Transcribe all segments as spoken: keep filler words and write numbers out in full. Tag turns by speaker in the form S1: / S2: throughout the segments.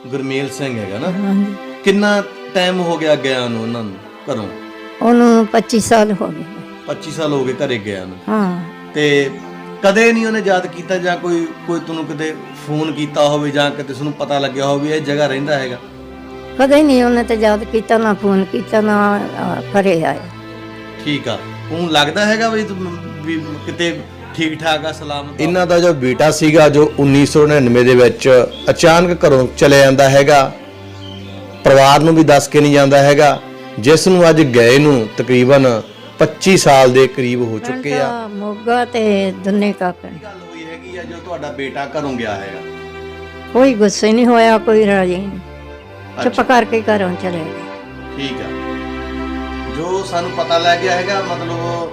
S1: ਗੁਰਮੇਲ ਸਿੰਘ ਹੈਗਾ ਨਾ।
S2: ਹਾਂਜੀ।
S1: ਕਿੰਨਾ ਟਾਈਮ ਹੋ ਗਿਆ ਗਿਆ ਨੂੰ ਉਹਨਾਂ ਨੂੰ ਘਰੋਂ?
S2: ਉਹਨੂੰ ਪੱਚੀ ਸਾਲ ਹੋ ਗਏ।
S1: ਪੱਚੀ ਸਾਲ ਹੋ ਗਏ ਘਰੇ ਗਿਆ ਨੂੰ।
S2: ਹਾਂ।
S1: ਤੇ ਕਦੇ ਨਹੀਂ ਉਹਨੇ ਯਾਦ ਕੀਤਾ ਜਾਂ ਕੋਈ ਕੋਈ ਤੁਹਾਨੂੰ ਕਿਤੇ ਫੋਨ ਕੀਤਾ ਹੋਵੇ ਜਾਂ ਕਿਤੇ ਤੁਹਾਨੂੰ ਪਤਾ ਲੱਗਿਆ ਹੋਵੇ ਇਹ ਜਗ੍ਹਾ ਰਹਿੰਦਾ ਹੈਗਾ?
S2: ਕਦੇ ਨਹੀਂ ਉਹਨੇ ਤੇ ਯਾਦ ਕੀਤਾ, ਨਾ ਫੋਨ ਕੀਤਾ, ਨਾ ਘਰੇ ਆਇਆ।
S1: ਠੀਕ ਆ। ਉਹਨੂੰ ਲੱਗਦਾ ਹੈਗਾ ਵੀ ਵੀ ਕਿਤੇ ਠੀਕ ਠਾਕ ਆ, ਸਲਾਮਤ? ਇਹਨਾਂ ਦਾ ਜੋ ਬੇਟਾ ਸੀਗਾ ਜੋ ਉੱਨੀ ਸੌ ਨੜਿਨਵੇਂ ਦੇ ਵਿੱਚ ਅਚਾਨਕ ਘਰੋਂ ਚਲੇ ਜਾਂਦਾ ਹੈਗਾ, ਪਰਿਵਾਰ ਨੂੰ ਵੀ ਦੱਸ ਕੇ ਨਹੀਂ ਜਾਂਦਾ ਹੈਗਾ, ਜਿਸ ਨੂੰ ਅੱਜ ਗਏ ਨੂੰ ਤਕਰੀਬਨ ਪੱਚੀ ਸਾਲ ਦੇ ਕਰੀਬ ਹੋ ਚੁੱਕੇ ਆ।
S2: ਮੋਗਾ ਤੇ ਦੁੰਨੇ ਕਾ ਪਿੰਡ।
S1: ਗੱਲ ਹੋਈ ਹੈਗੀ ਆ ਜੋ ਤੁਹਾਡਾ ਬੇਟਾ ਘਰੋਂ ਗਿਆ ਹੈਗਾ?
S2: ਕੋਈ ਗੁੱਸੇ ਨਹੀਂ ਹੋਇਆ, ਕੋਈ ਰਾਜੀ ਨਹੀਂ, ਚੁੱਪ ਕਰਕੇ ਘਰੋਂ ਚਲੇ ਗਏ।
S1: ਠੀਕ ਆ। ਜੋ ਸਾਨੂੰ ਪਤਾ ਲੱਗ ਗਿਆ ਹੈਗਾ ਮਤਲਬ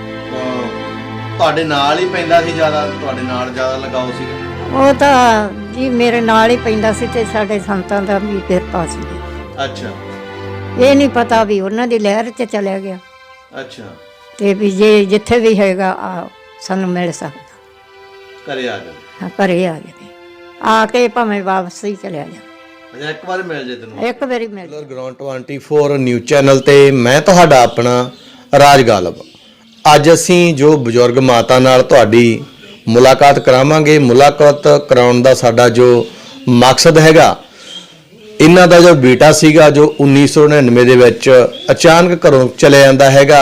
S1: ਤੁਹਾਡੇ ਨਾਲ ਹੀ ਪੈਂਦਾ ਸੀ, ਜ਼ਿਆਦਾ ਤੁਹਾਡੇ ਨਾਲ ਜ਼ਿਆਦਾ ਲਗਾਓ ਸੀਗਾ?
S2: ਉਹ ਤਾਂ ਜੀ ਮੇਰੇ ਨਾਲ ਹੀ ਪੈਂਦਾ ਸੀ ਤੇ ਸਾਡੇ ਸੰਤਾਂ ਦਾ ਵੀ ਕਿਰਪਾ ਸੀ।
S1: ਅੱਛਾ।
S2: ਇਹ ਨਹੀਂ ਪਤਾ ਵੀ ਉਹਨਾਂ ਦੀ ਲਹਿਰ 'ਚ ਚਲਿਆ ਗਿਆ।
S1: ਅੱਛਾ।
S2: ਤੇ ਵੀ ਜੇ ਜਿੱਥੇ ਵੀ ਹੈਗਾ ਆ ਸਾਨੂੰ ਮਿਲ ਸਕਦਾ,
S1: ਘਰੇ ਆ ਜਾ।
S2: ਹਾਂ, ਘਰੇ ਆ ਜਾਵੇ, ਆ ਕੇ ਭਾਵੇਂ ਵਾਪਸ ਹੀ ਚਲਿਆ ਜਾ।
S1: ਅੱਛਾ, ਇੱਕ ਵਾਰ ਮਿਲ ਜੇ ਤੈਨੂੰ? ਇੱਕ
S2: ਵਾਰੀ ਮਿਲ ਜਾ।
S1: ਗਰਾਊਂਡ ਚੌਵੀ ਨਿਊਜ਼ ਚੈਨਲ ਤੇ ਮੈਂ ਤੁਹਾਡਾ ਆਪਣਾ ਰਾਜ ਗਾਲਬ। ਅੱਜ ਅਸੀਂ ਜੋ ਬਜ਼ੁਰਗ ਮਾਤਾ ਨਾਲ ਤੁਹਾਡੀ ਮੁਲਾਕਾਤ ਕਰਾਵਾਂਗੇ, ਮੁਲਾਕਾਤ ਕਰਾਉਣ ਦਾ ਸਾਡਾ ਜੋ ਮਕਸਦ ਹੈਗਾ, ਇਹਨਾਂ ਦਾ ਜੋ ਬੇਟਾ ਸੀਗਾ ਜੋ ਉੱਨੀ ਸੌ ਨੜਿਨਵੇਂ ਦੇ ਵਿੱਚ ਅਚਾਨਕ ਘਰੋਂ ਚਲੇ ਜਾਂਦਾ ਹੈਗਾ,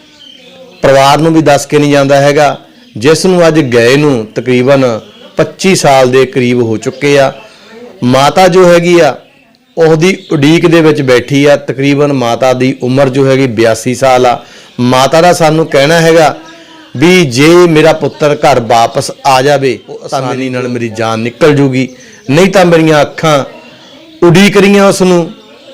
S1: ਪਰਿਵਾਰ ਨੂੰ ਵੀ ਦੱਸ ਕੇ ਨਹੀਂ ਜਾਂਦਾ ਹੈਗਾ, ਜਿਸ ਨੂੰ ਅੱਜ ਗਏ ਨੂੰ ਤਕਰੀਬਨ ਪੱਚੀ ਸਾਲ ਦੇ ਕਰੀਬ ਹੋ ਚੁੱਕੇ ਆ। ਮਾਤਾ ਜੋ ਹੈਗੀ ਆ ਉਹਦੀ ਉਡੀਕ ਦੇ ਵਿੱਚ ਬੈਠੀ ਆ। ਤਕਰੀਬਨ ਮਾਤਾ ਦੀ ਉਮਰ ਜੋ ਹੈਗੀ ਬਿਆਸੀ ਸਾਲ ਆ। ਮਾਤਾ ਦਾ ਸਾਨੂੰ ਕਹਿਣਾ ਹੈਗਾ ਵੀ ਜੇ ਮੇਰਾ ਪੁੱਤਰ ਘਰ ਵਾਪਸ ਆ ਜਾਵੇ ਆਸਾਨੀ ਨਾਲ ਮੇਰੀ ਜਾਨ ਨਿਕਲ ਜੂਗੀ, ਨਹੀਂ ਤਾਂ ਮੇਰੀਆਂ ਅੱਖਾਂ ਉਡੀਕ ਰਹੀਆਂ ਉਸ ਨੂੰ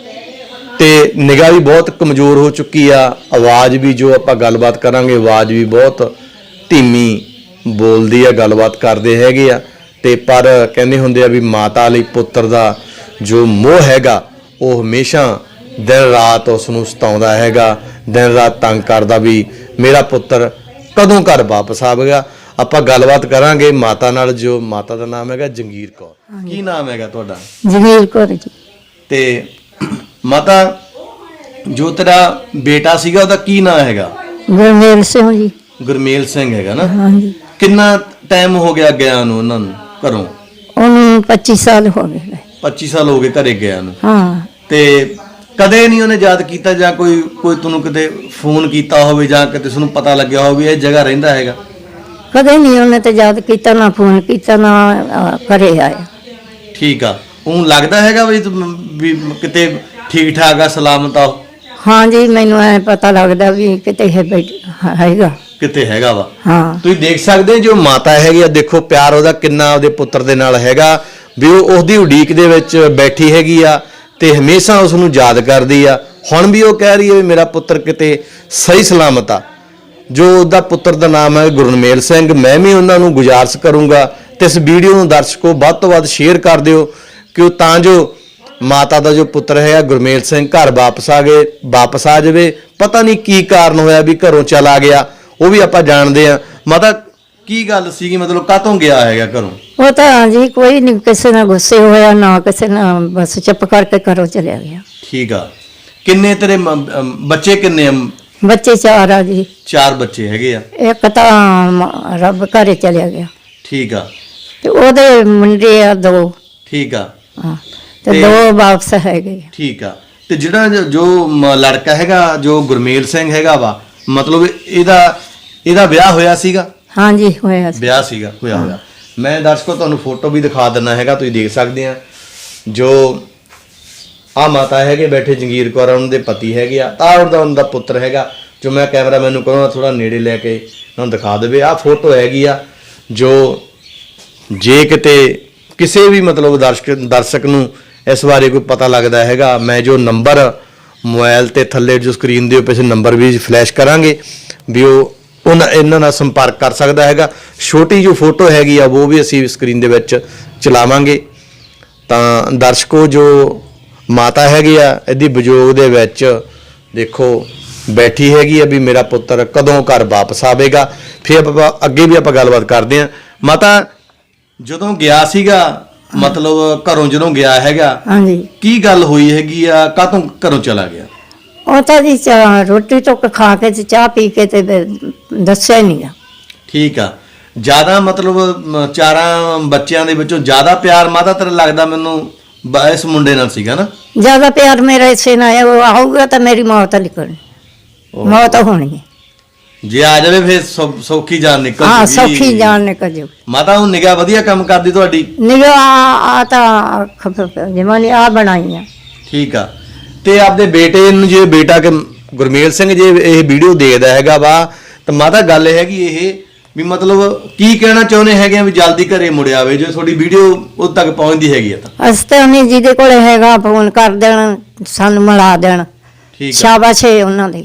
S1: ਤੇ ਨਿਗਾਹ ਵੀ ਬਹੁਤ ਕਮਜ਼ੋਰ ਹੋ ਚੁੱਕੀ ਆ। ਆਵਾਜ਼ ਵੀ ਜੋ ਆਪਾਂ ਗੱਲਬਾਤ ਕਰਾਂਗੇ ਆਵਾਜ਼ ਵੀ ਬਹੁਤ ਧੀਮੀ ਬੋਲਦੀ ਆ, ਗੱਲਬਾਤ ਕਰਦੇ ਹੈਗੇ ਆ। ਤੇ ਪਰ ਕਹਿੰਦੇ ਹੁੰਦੇ ਆ ਵੀ ਮਾਤਾ ਲਈ ਪੁੱਤਰ ਦਾ ਜੋ ਮੋਹ ਹੈਗਾ ਉਹ ਹਮੇਸ਼ਾ ਦਿਨ ਰਾਤ ਉਸ ਨੂੰ ਸਤਾਉਂਦਾ ਹੈਗਾ, ਦਿਨ ਰਾਤ ਤੰਗ ਕਰਦਾ ਵੀ ਮੇਰਾ ਪੁੱਤਰ ਕਦੋਂ ਘਰ ਵਾਪਸ ਆਵੇਗਾ। ਆਪਾਂ ਗੱਲਬਾਤ ਕਰਾਂਗੇ ਮਾਤਾ ਨਾਲ। ਜੋ ਮਾਤਾ ਦਾ ਨਾਮ ਹੈਗਾ ਜੰਗੀਰ ਕੌਰ। ਕੀ ਨਾਮ ਹੈਗਾ ਤੁਹਾਡਾ?
S2: ਜੰਗੀਰ ਕੌਰ ਜੀ।
S1: ਤੇ ਮਾਤਾ ਜੋ ਤੇਰਾ ਬੇਟਾ ਸੀਗਾ ਉਹਦਾ ਕੀ ਨਾਮ ਹੈਗਾ?
S2: ਗੁਰਮੇਲ ਸਿੰਘ ਜੀ।
S1: ਗੁਰਮੇਲ ਸਿੰਘ ਹੈਗਾ ਨਾ।
S2: ਹਾਂਜੀ।
S1: ਕਿੰਨਾ ਟਾਈਮ ਹੋ ਗਿਆ ਗਿਆ ਨੂੰ ਉਹਨਾਂ ਨੂੰ ਘਰੋਂ?
S2: ਉਹਨੂੰ ਪੱਚੀ ਸਾਲ ਹੋ ਗਏ।
S1: ਪੱਚੀ ਸਾਲ ਹੋ ਗਏ ਘਰੇ ਗਿਆ ਨੂੰ।
S2: ਹਾਂ।
S1: ਤੇ ਕਦੇ ਨਹੀਂ ਉਹਨੇ ਯਾਦ ਕੀਤਾ ਜਾਂ ਕੋਈ ਕੋਈ ਤੁਹਾਨੂੰ ਕਿਤੇ ਫੋਨ ਕੀਤਾ ਹੋਵੇ ਜਾਂ ਕਿਤੇ ਤੁਹਾਨੂੰ ਪਤਾ ਲੱਗਿਆ ਹੋਵੇ ਇਹ ਜਗ੍ਹਾ ਰਹਿੰਦਾ ਹੈਗਾ?
S2: ਕਦੇ ਨਹੀਂ ਉਹਨੇ ਤੇ ਯਾਦ ਕੀਤਾ, ਨਾ ਫੋਨ ਕੀਤਾ, ਨਾ ਘਰੇ ਆਇਆ।
S1: ਠੀਕ ਆ। ਉਹਨੂੰ ਲੱਗਦਾ ਹੈਗਾ ਵੀ ਵੀ ਕਿਤੇ ਠੀਕ ਠਾਕ ਆ, ਸਲਾਮਤ ਆ?
S2: ਹਾਂ ਜੀ, ਮੈਨੂੰ ਐ ਪਤਾ ਲੱਗਦਾ ਵੀ ਕਿਤੇ ਹੈਗਾ,
S1: ਕਿਤੇ ਹੈਗਾ ਵਾ।
S2: ਹਾਂ।
S1: ਤੁਸੀਂ ਦੇਖ ਸਕਦੇ ਜੋ ਮਾਤਾ ਹੈਗੀ ਆ, ਦੇਖੋ ਪਿਆਰ ਉਹਦਾ ਕਿੰਨਾ ਉਹਦੇ ਪੁੱਤਰ ਦੇ ਨਾਲ ਹੈਗਾ ਵੀ ਉਹ ਉਹਦੀ ਉਡੀਕ ਦੇ ਵਿੱਚ ਬੈਠੀ ਹੈਗੀ ਆ ਤੇ ਹਮੇਸ਼ਾ ਉਸ ਨੂੰ ਯਾਦ ਕਰਦੀ ਆ। ਹੁਣ ਵੀ ਉਹ ਕਹਿ ਰਹੀ ਹੈ ਵੀ ਮੇਰਾ ਪੁੱਤਰ ਕਿਤੇ ਸਹੀ ਸਲਾਮਤ ਆ। ਜੋ ਉਹਦਾ ਪੁੱਤਰ ਦਾ ਨਾਮ ਹੈ ਗੁਰਮੇਲ ਸਿੰਘ। ਮੈਂ ਵੀ ਉਹਨਾਂ ਨੂੰ ਗੁਜ਼ਾਰਿਸ਼ ਕਰੂੰਗਾ ਤੇ ਇਸ ਵੀਡੀਓ ਨੂੰ ਦਰਸ਼ਕੋ ਵੱਧ ਤੋਂ ਵੱਧ ਸ਼ੇਅਰ ਕਰ ਦਿਓ ਕਿ ਤਾਂ ਜੋ ਮਾਤਾ ਦਾ ਜੋ ਪੁੱਤਰ ਹੈ ਗੁਰਮੇਲ ਸਿੰਘ ਘਰ ਵਾਪਸ ਆ ਗਏ ਵਾਪਸ ਆ ਜਾਵੇ। ਪਤਾ ਨਹੀਂ ਕੀ ਕਾਰਨ ਹੋਇਆ ਵੀ ਘਰੋਂ ਚਲਾ ਗਿਆ, ਉਹ ਵੀ ਆਪਾਂ ਜਾਣਦੇ ਆ। ਮਾਤਾ ਕੀ ਗੱਲ ਸੀਗੀ, ਮਤਲਬ ਕਾਹਤੋਂ ਗਿਆ ਹੈਗਾ ਘਰੋਂ?
S2: ਉਹ ਤਾਂ ਜੀ ਕੋਈ ਨਹੀਂ ਕਿਸੇ ਨਾਲ ਗੁੱਸੇ ਹੋਇਆ, ਨਾ ਕਿਸੇ ਨਾਲ, ਬਸ ਚੁੱਪ ਕਰਕੇ ਘਰੋਂ ਚਲਿਆ ਗਿਆ।
S1: ਠੀਕ ਆ। ਕਿੰਨੇ ਤੇਰੇ ਬੱਚੇ ਕਿੰਨੇ ਆ?
S2: ਬੱਚੇ ਚਾਰ ਆ ਜੀ।
S1: ਚਾਰ ਬੱਚੇ ਹੈਗੇ ਆ।
S2: ਇੱਕ ਤਾਂ ਰੱਬ ਘਰੇ ਚਲਿਆ ਗਿਆ।
S1: ਠੀਕ ਆ।
S2: ਤੇ ਉਹਦੇ ਮੁੰਡੇ ਆ ਦੋ।
S1: ਠੀਕ ਆ।
S2: ਹਾਂ। ਤੇ ਦੋ ਵਾਪਸ ਹੈਗੇ।
S1: ਠੀਕ ਆ। ਤੇ ਜਿਹੜਾ ਜੋ ਲੜਕਾ ਹੈਗਾ ਜੋ ਗੁਰਮੇਲ ਸਿੰਘ ਹੈਗਾ ਵਾ, ਮਤਲਬ ਇਹਦਾ ਇਹਦਾ ਵਿਆਹ ਹੋਇਆ ਸੀਗਾ?
S2: ਹਾਂਜੀ, ਹੋਇਆ ਸੀ।
S1: ਵਿਆਹ ਸੀਗਾ, ਹੋਇਆ ਹੋਇਆ। ਮੈਂ ਦਰਸ਼ਕੋ ਤੁਹਾਨੂੰ ਫੋਟੋ ਵੀ ਦਿਖਾ ਦਿੰਦਾ ਹੈਗਾ, ਤੁਸੀਂ ਦੇਖ ਸਕਦੇ ਆ। ਜੋ ਆ ਮਾਤਾ ਹੈਗੇ ਬੈਠੇ ਜੰਗੀਰ ਕੌਰ, ਉਹਨਾਂ ਦੇ ਪਤੀ ਹੈਗੇ ਆ। ਤਾਂ ਉਹਦਾ ਉਹਨਾਂ ਦਾ ਪੁੱਤਰ ਹੈਗਾ ਜੋ ਮੈਂ ਕੈਮਰਾ ਮੈਨੂੰ ਕਹੂੰਗਾ ਥੋੜਾ ਨੇੜੇ ਲੈ ਕੇ ਉਹਨਾਂ ਨੂੰ ਦਿਖਾ ਦੇਵੇ। ਆਹ ਫੋਟੋ ਹੈਗੀ ਆ ਜੋ ਜੇ ਕਿਤੇ ਕਿਸੇ ਵੀ ਮਤਲਬ ਦਰਸ਼ਕ ਦਰਸ਼ਕ ਨੂੰ ਇਸ ਬਾਰੇ ਕੋਈ ਪਤਾ ਲੱਗਦਾ ਹੈਗਾ, ਮੈਂ ਜੋ ਨੰਬਰ ਮੋਬਾਈਲ ਤੇ ਥੱਲੇ ਜੋ ਸਕਰੀਨ ਦੇ ਉੱਪਰ ਨੰਬਰ ਵੀ ਫਲੈਸ਼ ਕਰਾਂਗੇ ਵੀ ਉਹ ਉਹਨਾਂ ਇਹਨਾਂ ਨਾਲ ਸੰਪਰਕ ਕਰ ਸਕਦਾ ਹੈਗਾ। ਛੋਟੀ ਜੋ ਫੋਟੋ ਹੈਗੀ ਆ ਉਹ ਵੀ ਅਸੀਂ ਸਕਰੀਨ ਦੇ ਵਿੱਚ ਚਲਾਵਾਂਗੇ। ਤਾਂ ਦਰਸ਼ਕੋ ਜੋ ਮਾਤਾ ਹੈਗੀ ਆ ਇਹਦੀ ਵਿਜੋਗ ਦੇ ਵਿੱਚ ਦੇਖੋ ਬੈਠੀ ਹੈਗੀ ਆ ਵੀ ਮੇਰਾ ਪੁੱਤਰ ਕਦੋਂ ਘਰ ਵਾਪਸ ਆਵੇਗਾ। ਫਿਰ ਆਪਾਂ ਅੱਗੇ ਵੀ ਆਪਾਂ ਗੱਲਬਾਤ ਕਰਦੇ ਹਾਂ। ਮਾਤਾ ਜਦੋਂ ਗਿਆ ਸੀਗਾ ਮਤਲਬ ਘਰੋਂ ਜਦੋਂ ਗਿਆ ਹੈਗਾ
S2: ਹਾਂਜੀ
S1: ਕੀ ਗੱਲ ਹੋਈ ਹੈਗੀ ਆ, ਕਾਹਤੋਂ ਘਰੋਂ ਚਲਾ ਗਿਆ?
S2: ਉਹ ਤਾਂ ਜੀ ਚਾਹ- ਰੋਟੀ ਟੁੱਕ ਖਾ ਕੇ ਤੇ ਚਾਹ ਪੀ ਕੇ ਤੇ ਫਿਰ ਦੱਸਿਆ ਹੀ ਨਹੀਂ ਗਾ।
S1: ਠੀਕ ਆ। ਜਿਆਦਾ ਮਤਲਬ ਮ, ਚਾਰਾਂ ਬੱਚਿਆਂ ਦੇ ਵਿੱਚੋਂ ਜ਼ਿਆਦਾ ਪਿਆਰ ਮਾਤਾ ਤੇਰਾ ਲੱਗਦਾ ਮੈਨੂੰ ਬ- ਇਸ ਮੁੰਡੇ ਨਾਲ ਸੀਗਾ ਨਾ?
S2: ਜ਼ਿਆਦਾ ਪਿਆਰ ਮੇਰਾ ਇਸੇ ਨਾਲ ਹੈ, ਉਹ ਆਊਗਾ ਤਾਂ ਮੇਰੀ ਮੌਤ ਲਿਖਣੀ, ਮੌਤ ਹੋਣੀ ਹੈ।
S1: ਜੇ ਆ ਜਾਵੇ ਫਿਰ ਸੌ- ਸੌਖੀ ਜਾਨ ਨਿਕਲ
S2: ਹਾਂ
S1: ਜੂਗੀ।
S2: ਸੌਖੀ ਜਾਣ ਨਿਕਲ ਜਾਊ।
S1: ਮਾਤਾ ਉਹ ਨਿਗਾਹ ਵਧੀਆ ਕੰਮ ਕਰਦੀ ਤੁਹਾਡੀ?
S2: ਨਿਗਾਹ ਆ ਤਾਂ ਜਿਵੇਂ ਨੇ ਆ ਬਣਾਈ ਆ।
S1: ਠੀਕ ਆ। ਤੇ ਆਪਦੇ ਬੇਟੇ ਨੂੰ, ਜੇ ਬੇਟਾ ਕਿ ਗੁਰਮੇਲ ਸਿੰਘ ਜੇ ਇਹ ਵੀਡੀਓ ਦੇਖਦਾ ਹੈਗਾ ਵਾ ਤਾਂ ਮਾਤਾ ਗੱਲ ਇਹ ਹੈਗੀ ਇਹ ਵੀ ਮਤਲਬ ਕੀ ਕਹਿਣਾ ਚਾਹੁੰਦੇ ਹੈਗੇ ਆ ਵੀ ਜਲਦੀ ਘਰੇ ਮੁੜ ਆਵੇ ਜੇ ਤੁਹਾਡੀ ਵੀਡੀਓ ਉਦ ਤੱਕ ਪਹੁੰਚਦੀ ਹੈਗੀ ਆ ਤਾਂ?
S2: ਅਸੀਂ ਤਾਂ ਉਹਨੇ ਜਿਹਦੇ ਕੋਲੇ ਹੈਗਾ ਫੋਨ ਕਰ ਦੇਣ, ਸਾਨੂੰ ਮਿਲਾ ਦੇਣ।
S1: ਠੀਕ ਆ।
S2: ਸ਼ਾਬਾਸ਼ ਏ ਉਹਨਾਂ ਦੀ।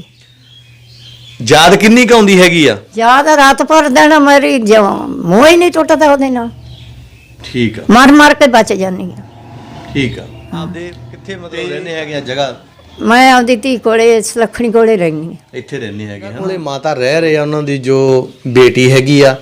S1: ਯਾਦ ਕਿੰਨੀ ਕੁ ਆਉਂਦੀ ਹੈਗੀ ਆ?
S2: ਯਾਦ ਰਾਤ ਭਰ ਦੇਣਾ, ਮੇਰੀ ਜੋ ਮੂੰਹ ਹੀ ਨਹੀਂ ਟੁੱਟਦਾ ਉਹਦੇ ਨਾਲ,
S1: ਠੀਕ ਆ।
S2: ਮਰ ਮਰ ਕੇ ਬਚ ਜਾਂਦੀ ਆ।
S1: ਠੀਕ ਆ। ਆਪਦੇ ਕਿੱਥੇ ਮਤਲਬ ਰਹਿੰਦੇ ਹੈਗੇ ਆ ਜਗ੍ਹਾ?
S2: ਮੈਂ ਆਪਦੀ ਧੀ ਕੋਲੇ ਸੁਲੱਖਣੀ ਕੋਲੇ ਰਹਿੰਦੀ ਹਾਂ।
S1: ਇੱਥੇ ਰਹਿੰਦੇ ਹੈਗੇ ਹਨ। ਉਹਦੇ ਮਾਤਾ ਰਹਿ ਰਹੇ ਆ, ਉਹਨਾਂ ਦੀ ਜੋ ਬੇਟੀ ਹੈਗੀ ਆ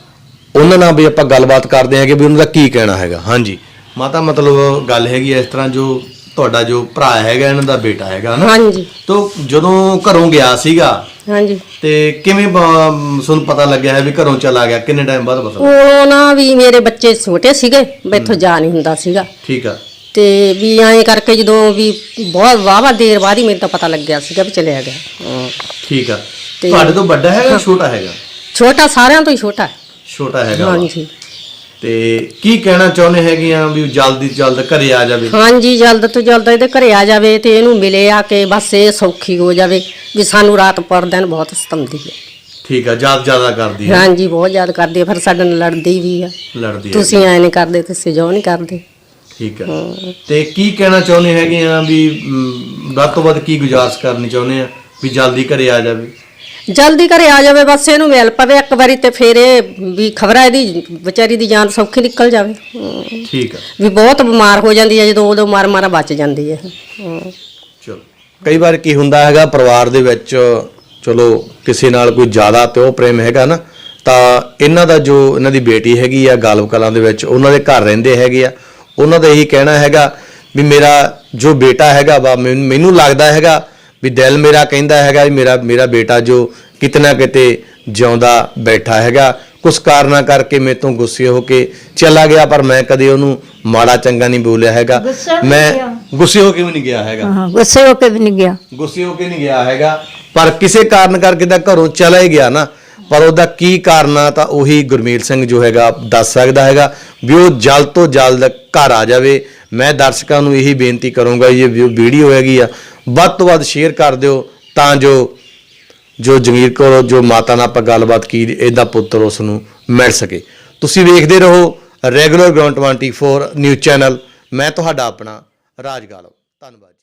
S1: ਉਹਨਾਂ ਨਾਲ ਵੀ ਆਪਾਂ ਗੱਲਬਾਤ ਕਰਦੇ ਹੈਗੇ ਵੀ ਉਹਨਾਂ ਦਾ ਕੀ ਕਹਿਣਾ ਹੈਗਾ। ਹਾਂਜੀ ਮਾਤਾ, ਮਤਲਬ ਗੱਲ ਹੈਗੀ ਇਸ ਤਰ੍ਹਾਂ, ਜੋ ਤੁਹਾਡਾ ਜੋ ਭਰਾ ਹੈਗਾ ਇਹਨਾਂ ਦਾ ਬੇਟਾ ਹੈਗਾ ਨਾ,
S3: ਹਾਂਜੀ
S1: ਤੋ ਜਦੋਂ ਘਰੋਂ ਗਿਆ ਸੀਗਾ
S3: ਹਾਂਜੀ
S1: ਤੇ ਕਿਵੇਂ ਬ- ਤੁਹਾਨੂੰ ਪਤਾ ਲੱਗਿਆ ਹੈ ਵੀ ਘਰੋਂ ਚਲਾ ਗਿਆ? ਕਿੰਨੇ ਟਾਈਮ ਬਾਅਦ ਪਤਾ ਲੱਗਾ?
S3: ਉਹ ਨਾ ਵੀ ਮੇਰੇ ਬੱਚੇ ਛੋਟੇ ਸੀਗੇ, ਮੈਥੋਂ ਜਾ ਨਹੀਂ ਹੁੰਦਾ ਸੀਗਾ,
S1: ਠੀਕ ਆ।
S3: ਤੇ ਵੀ ਐਂ ਕਰਕੇ ਜਦੋਂ ਵੀ ਬਹੁਤ ਵਾਹਵਾ ਦੇਰ ਬਾਅਦ ਹੀ ਮੈਨੂੰ ਤਾਂ ਪਤਾ ਲੱਗਿਆ ਸੀਗਾ ਵੀ ਚਲਿਆ ਗਿਆ। ਹਾਂ।
S1: ਠੀਕ ਆ।
S3: ਤੇ-
S1: ਤੁਹਾਡੇ ਤੋਂ ਵੱਡਾ ਹੈਗਾ ਜਾਂ ਛੋਟਾ ਹੈਗਾ?
S3: ਛੋਟਾ ਸਾਰਿਆਂ ਤੋਂ ਹੀ ਛੋਟਾ ਹੈ।
S1: ਛੋਟਾ ਹੈਗਾ ਵਾ।
S3: ਹਾਂਜੀ
S1: ਤੇ ਕੀ ਕਹਿਣਾ ਚਾਹੁੰਦੇ ਹੈਗੇ ਆ ਵੀ ਜਲਦੀ ਤੋਂ ਜਲਦ ਘਰੇ ਆ ਜਾਵੇ?
S3: ਹਾਂਜੀ ਜਲਦ ਤੋਂ ਜਲਦ ਇਹਦੇ ਘਰੇ ਆ ਜਾਵੇ ਤੇ ਇਹਨੂੰ ਮਿਲੇ ਆ ਕੇ ਬਸ ਇਹ ਸੌਖੀ ਹੋ ਜਾਵੇ ਵੀ ਸਾਨੂੰ ਰਾਤ ਪਰ ਦਿਨ ਬਹੁਤ ਸਤਾਉਂਦੀ ਹੈ।
S1: ਠੀਕ ਆ। ਯਾਦ ਜ਼ਿਆਦਾ ਕਰਦੀ ਹੈ?
S3: ਹਾਂਜੀ ਬਹੁਤ ਯਾਦ ਕਰਦੀ ਹੈ, ਫਿਰ ਸਾਡੇ ਨਾਲ ਲੜਦੀ ਵੀ ਆ।
S1: ਲੜਦੀ ਹੈ।
S3: ਤੁਸੀਂ ਐਂ ਨਹੀਂ ਕਰਦੇ, ਤੁਸੀਂ ਜੋ ਨਹੀਂ ਕਰਦੇ।
S1: ਠੀਕ ਆ। ਤੇ ਕੀ ਕਹਿਣਾ ਚਾਹੁੰਦੇ ਹੈਗੇ ਆ ਵੀ ਮ, ਵੱਧ ਤੋਂ ਵੱਧ ਕੀ ਗੁਜ਼ਾਰਿਸ਼ ਕਰਨੀ ਚਾਹੁੰਦੇ ਆ ਵੀ ਜਲਦੀ ਘਰੇ ਆ ਜਾਵੇ?
S3: ਜਲਦੀ ਘਰੇ ਆ ਜਾਵੇ, ਬਸ ਇਹਨੂੰ ਮਿਲ ਪਵੇ ਇੱਕ ਵਾਰੀ ਤੇ ਫਿਰ ਇਹ ਵੀ ਖਬਰਾਂ ਇਹਦੀ ਵਿਚਾਰੀ ਦੀ ਜਾਨ ਸੌਖੀ ਨਿਕਲ ਜਾਵੇ। ਹਮ,
S1: ਠੀਕ ਆ।
S3: ਵੀ ਬਹੁਤ ਬਿਮਾਰ ਹੋ ਜਾਂਦੀ ਹੈ, ਜਦੋਂ ਉਦੋਂ ਮਾਰ ਮਾਰਾ ਬਚ ਜਾਂਦੀ ਹੈ। ਹਮ,
S1: ਚਲੋ, ਕਈ ਵਾਰ ਕੀ ਹੁੰਦਾ ਹੈਗਾ ਪਰਿਵਾਰ ਦੇ ਵਿੱਚ, ਚਲੋ ਕਿਸੇ ਨਾਲ ਕੋਈ ਜ਼ਿਆਦਾ ਪਿਓ ਪ੍ਰੇਮ ਹੈਗਾ ਨਾ, ਤਾਂ ਇਹਨਾਂ ਦਾ ਜੋ ਇਹਨਾਂ ਦੀ ਬੇਟੀ ਹੈਗੀ ਆ ਗਾਲਵ ਕਲਾਂ ਦੇ ਵਿੱਚ, ਉਹਨਾਂ ਦੇ ਘਰ ਰਹਿੰਦੇ ਹੈਗੇ ਆ, ਉਹਨਾਂ ਦਾ ਇਹੀ ਕਹਿਣਾ ਹੈਗਾ ਵੀ ਮੇਰਾ ਜੋ ਬੇਟਾ ਹੈਗਾ ਵਾ, ਮੈਨੂੰ ਮੈਨੂੰ ਲੱਗਦਾ ਹੈਗਾ ਵੀ ਦਿਲ ਮੇਰਾ ਕਹਿੰਦਾ ਹੈਗਾ ਵੀ ਮੇਰਾ ਮੇਰਾ ਬੇਟਾ ਜੋ ਕਿਤੇ ਨਾ ਕਿਤੇ ਜਿਉਂਦਾ ਬੈਠਾ ਹੈਗਾ, ਕੁਝ ਕਾਰਨਾਂ ਕਰਕੇ ਮੇਰੇ ਤੋਂ ਗੁੱਸੇ ਹੋ ਕੇ ਚਲਾ ਗਿਆ, ਪਰ ਮੈਂ ਕਦੇ ਉਹਨੂੰ ਮਾੜਾ ਚੰਗਾ ਨਹੀਂ ਬੋਲਿਆ ਹੈਗਾ।
S2: ਗੁੱਸੇ ਵੀ ਨਹੀਂ
S1: ਮੈਂ
S2: ਗਿਆ।
S1: ਗੁੱਸੇ ਹੋ ਕੇ ਵੀ ਨਹੀਂ ਗਿਆ ਹੈਗਾ।
S2: ਹਾਂ ਗੁੱਸੇ ਹੋ ਕੇ ਵੀ ਨਹੀਂ ਗਿਆ।
S1: ਗੁੱਸੇ ਹੋ ਕੇ ਨਹੀਂ ਗਿਆ ਹੈਗਾ, ਪਰ ਕਿਸੇ ਕਾਰਨ ਕਰਕੇ ਤਾਂ ਘਰੋਂ ਚਲਾ ਹੀ ਗਿਆ ਨਾ। ਪਰ ਉਹਦਾ ਕੀ ਕਾਰਨ ਆ ਤਾਂ ਉਹੀ ਗੁਰਮੇਲ ਸਿੰਘ ਜੋ ਹੈਗਾ ਦੱਸ ਸਕਦਾ ਹੈਗਾ ਵੀ ਉਹ ਜਲਦ ਤੋਂ ਜਲਦ ਘਰ ਆ ਜਾਵੇ। ਮੈਂ ਦਰਸ਼ਕਾਂ ਨੂੰ ਇਹੀ ਬੇਨਤੀ ਕਰੂੰਗਾ, ਇਹ ਵੀਡੀਓ ਹੈਗੀ ਆ ਵੱਧ ਤੋਂ ਵੱਧ ਸ਼ੇਅਰ ਕਰ ਦਿਓ ਤਾਂ ਜੋ ਜੋ ਜਮੀਰ ਕੌਰ ਜੋ ਮਾਤਾ ਨਾਲ ਆਪਾਂ ਗੱਲਬਾਤ ਕੀ ਇਹਦਾ ਪੁੱਤਰ ਉਸ ਨੂੰ ਮਿਲ ਸਕੇ। ਤੁਸੀਂ ਵੇਖਦੇ ਰਹੋ ਰੈਗੂਲਰ ਗਰਾਊਂਡ ਚੌਵੀ ਨਿਊਜ਼ ਚੈਨਲ। ਮੈਂ ਤੁਹਾਡਾ ਆਪਣਾ ਰਾਜ ਗਾਲਵ। ਧੰਨਵਾਦ।